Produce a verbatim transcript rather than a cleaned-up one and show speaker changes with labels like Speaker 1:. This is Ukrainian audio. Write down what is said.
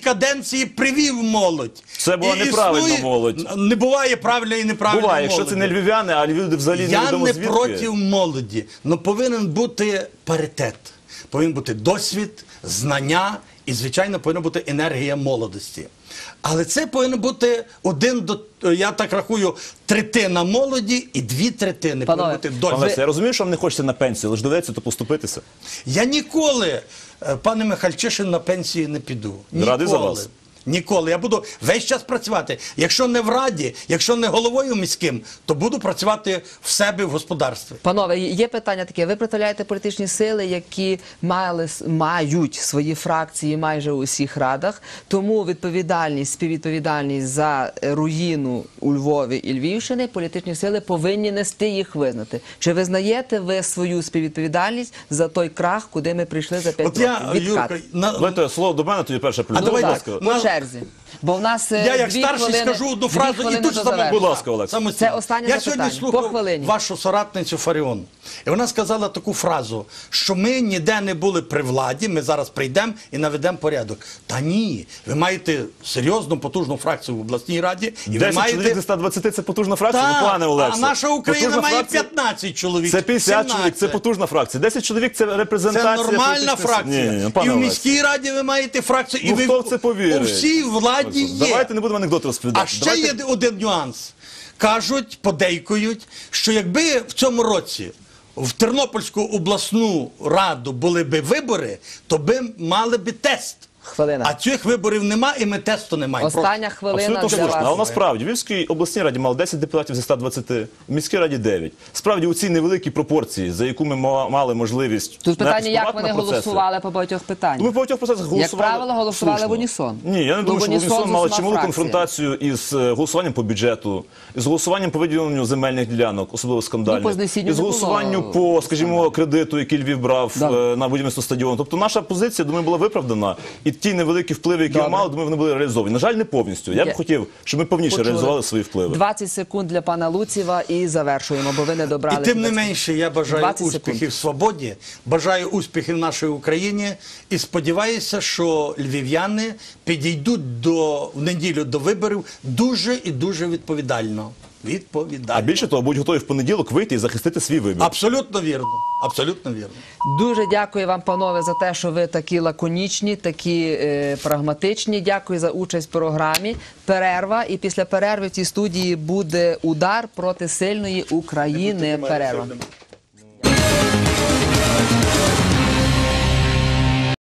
Speaker 1: каденції привів молодь.
Speaker 2: Це була
Speaker 1: І
Speaker 2: неправильна
Speaker 1: існує...
Speaker 2: молодь.
Speaker 1: Не буває правильної і неправильної
Speaker 2: Буває,
Speaker 1: молоді.
Speaker 2: якщо це не львів'яни, а люди взагалі
Speaker 1: Я
Speaker 2: невідомо
Speaker 1: не
Speaker 2: звідки.
Speaker 1: проти молоді, але повинен бути паритет. Повинен бути досвід, знання і, звичайно, повинна бути енергія молодості. Але це повинен бути один, до, я так рахую, третина молоді і дві третини повинен бути досвід.
Speaker 2: Пане, я розумію, що вам не хочеться на пенсію, але ж доведеться то поступитися.
Speaker 1: Я ніколи, пане Михальчишин, на пенсію не піду. Ніколи.
Speaker 2: Радий за вас.
Speaker 1: Ніколи. Я буду весь час працювати. Якщо не в Раді, якщо не головою міським, то буду працювати в себе в господарстві.
Speaker 3: Панове, є питання таке. Ви представляєте політичні сили, які мали, мають свої фракції майже у всіх радах, тому відповідальність, співвідповідальність за руїну у Львові і Львівщини політичні сили повинні нести, їх визнати. Чи визнаєте ви свою співвідповідальність за той крах, куди ми прийшли за п'ять
Speaker 1: От я,
Speaker 3: років? Відкат.
Speaker 1: Юрка, на...
Speaker 2: Давайте слово до мене, тоді перше плюс.
Speaker 1: А давай
Speaker 2: Будь
Speaker 1: так.
Speaker 2: ласка.
Speaker 3: По
Speaker 1: На-
Speaker 3: черзі. Бо в нас
Speaker 1: Я як
Speaker 3: дві
Speaker 1: старший
Speaker 3: хвилини,
Speaker 1: скажу одну
Speaker 3: дві
Speaker 1: фразу і
Speaker 3: хвилини
Speaker 1: тут
Speaker 3: до
Speaker 1: саме.
Speaker 3: завершення.
Speaker 2: Будь ласка, Олег.
Speaker 1: Самостійно.
Speaker 3: Це останнє
Speaker 1: Я
Speaker 3: запитання.
Speaker 1: сьогодні
Speaker 3: По
Speaker 1: слухав
Speaker 3: хвилині.
Speaker 1: вашу соратницю Фаріон. І вона сказала таку фразу, що ми ніде не були при владі, ми зараз прийдемо і наведемо порядок. Та ні, ви маєте серйозну, потужну фракцію в обласній раді. І ви
Speaker 2: десять
Speaker 1: маєте...
Speaker 2: чоловік зі ста двадцяти – це потужна фракція,
Speaker 1: Так,
Speaker 2: ну, пане Олексій.
Speaker 1: а наша Україна
Speaker 2: Потужна
Speaker 1: має
Speaker 2: фракція-
Speaker 1: п'ятнадцять чоловік.
Speaker 2: Це п'ятдесят чоловік, це
Speaker 1: сімнадцять.
Speaker 2: потужна фракція. десять чоловік – це
Speaker 1: Це
Speaker 2: репрезентація.
Speaker 1: нормальна
Speaker 2: політичних сил.
Speaker 1: фракція.
Speaker 2: Ні, ні, ні,
Speaker 1: І
Speaker 2: пане
Speaker 1: в
Speaker 2: Олексій.
Speaker 1: міській раді ви маєте фракцію. І
Speaker 2: Ну,
Speaker 1: ви
Speaker 2: хто в це повірить?
Speaker 1: У всій владі є.
Speaker 2: Давайте не будемо анекдот розповідати.
Speaker 1: А ще
Speaker 2: Давайте-
Speaker 1: є один нюанс. Кажуть, подейкують, що якби в цьому році в Тернопільську обласну раду були б вибори, то би мали б тест.
Speaker 3: Хвилина.
Speaker 1: А цих виборів нема і ми тесту не маємо.
Speaker 3: Остання хвилина
Speaker 2: Абсолютно
Speaker 3: для
Speaker 2: слушно. Але
Speaker 3: вас.
Speaker 2: насправді в Львівській обласній раді мало десять депутатів зі ста двадцяти, в міській раді дев'ять. Справді у цій невеликій пропорції, за яку ми ма- мали можливість
Speaker 3: Тут питання, як
Speaker 2: впливати
Speaker 3: вони
Speaker 2: на процеси.
Speaker 3: голосували по багатьох питаннях.
Speaker 2: Ми в багатьох процесах голосували.
Speaker 3: Як правило, голосували
Speaker 2: слушно.
Speaker 3: в унісон.
Speaker 2: Ні, я не
Speaker 3: Ну,
Speaker 2: думаю, що в
Speaker 3: унісон
Speaker 2: унісон
Speaker 3: з
Speaker 2: мали
Speaker 3: усіма
Speaker 2: чималу
Speaker 3: фракціями.
Speaker 2: конфронтацію із е, голосуванням по бюджету, із голосуванням по виділенню земельних ділянок, особливо скандальних,
Speaker 3: Ну, по знесінню
Speaker 2: із
Speaker 3: не
Speaker 2: голосуванню
Speaker 3: було
Speaker 2: по, скажімо, кредиту, який Львів брав
Speaker 3: Да.
Speaker 2: е, на будівництво стадіону. Тобто наша позиція, думаю, була виправдана. І ті невеликі впливи, які ми
Speaker 3: Добре.
Speaker 2: мали, думаю, вони були реалізовані. На жаль, не повністю. Я б
Speaker 3: Є.
Speaker 2: хотів, щоб ми повніше
Speaker 3: Почули.
Speaker 2: реалізували свої впливи.
Speaker 3: двадцять секунд для пана Луціва і завершуємо, бо ви не добрали.
Speaker 1: І тим не
Speaker 3: двадцять.
Speaker 1: менше я бажаю
Speaker 3: двадцять
Speaker 1: успіхів
Speaker 3: секунд.
Speaker 1: свободі, бажаю успіхів нашій Україні і сподіваюся, що львів'яни підійдуть до, в неділю до виборів дуже і дуже відповідально. Відповідально.
Speaker 2: А більше того, будь готові в понеділок вийти і захистити свій вибір.
Speaker 1: Абсолютно вірно. Абсолютно вірно.
Speaker 3: Дуже дякую вам, панове, за те, що ви такі лаконічні, такі е, прагматичні. Дякую за участь в програмі. Перерва. І після перерви в цій студії буде удар проти сильної України. Перерва.